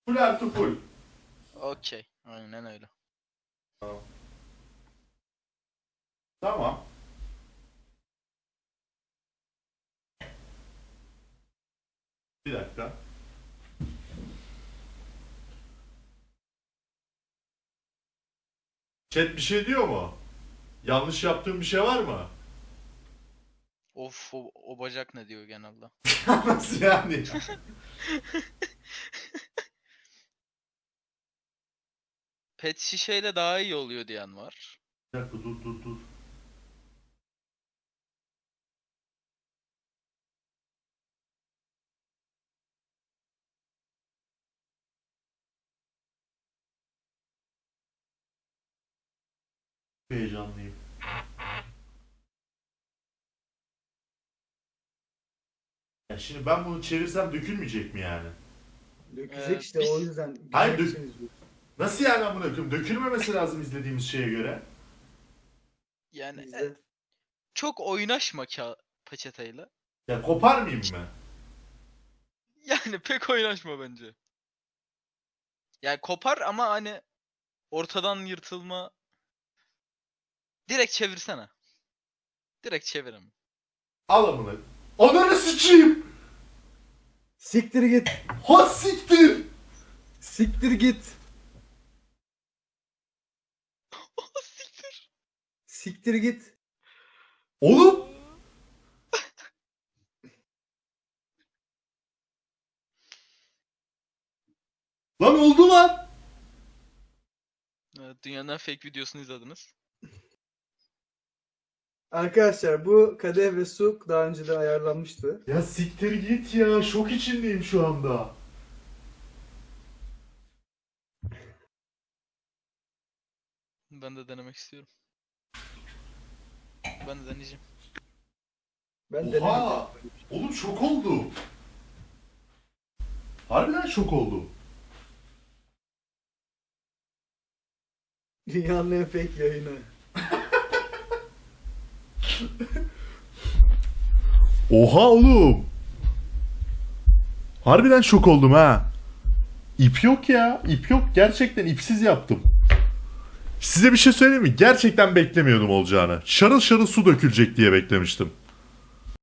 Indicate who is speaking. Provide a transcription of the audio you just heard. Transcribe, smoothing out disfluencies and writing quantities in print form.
Speaker 1: Full artı full.
Speaker 2: Okey. Aynen öyle.
Speaker 1: Tamam. Bir dakika. Chat bir şey diyor mu? Yanlış yaptığım bir şey var mı?
Speaker 2: Of o bacak ne diyor genelde.
Speaker 1: Nasıl yani?
Speaker 2: Pet şişeyle daha iyi oluyor diyen var.
Speaker 1: Bir dakika dur. Heyecanlıyım. Ya şimdi ben bunu çevirsem dökülmeyecek mi yani?
Speaker 3: Dökecek işte
Speaker 2: biz-
Speaker 3: o yüzden.
Speaker 1: Hayır,
Speaker 3: Güzel için izliyorum.
Speaker 1: Nasıl yani amına koyayım? Dökülmemesi lazım izlediğimiz şeye göre.
Speaker 2: Yani
Speaker 3: İzle.
Speaker 2: çok oynaşma peçeteyle.
Speaker 1: Ya koparmayayım mı?
Speaker 2: Yani pek oynaşma bence. Yani kopar ama hani ortadan yırtılma. Direkt çevirsene. Direkt çevirin.
Speaker 1: Al amına. Ananı sıçayım.
Speaker 3: Siktir git.
Speaker 1: Ha siktir.
Speaker 3: Siktir git. Siktir git.
Speaker 1: Oğlum. Lan oldu lan.
Speaker 2: Evet, dünyanın en fake videosunu izlediniz.
Speaker 3: Arkadaşlar bu kadeh ve su daha önce de ayarlanmıştı.
Speaker 1: Ya siktir git ya. Şok içindeyim şu anda.
Speaker 2: Ben de denemek istiyorum. Ben de deneyeceğim.
Speaker 3: Ben
Speaker 1: Oha.
Speaker 3: denemedim.
Speaker 1: Oğlum şok oldu. Harbiden şok oldu.
Speaker 3: Dünyanın en fake yayını.
Speaker 1: Oha oğlum. Harbiden şok oldum ha. İp yok ya. İp yok. Gerçekten ipsiz yaptım. Size bir şey söyleyeyim mi? Gerçekten beklemiyordum olacağını. Şarıl şarıl su dökülecek diye beklemiştim.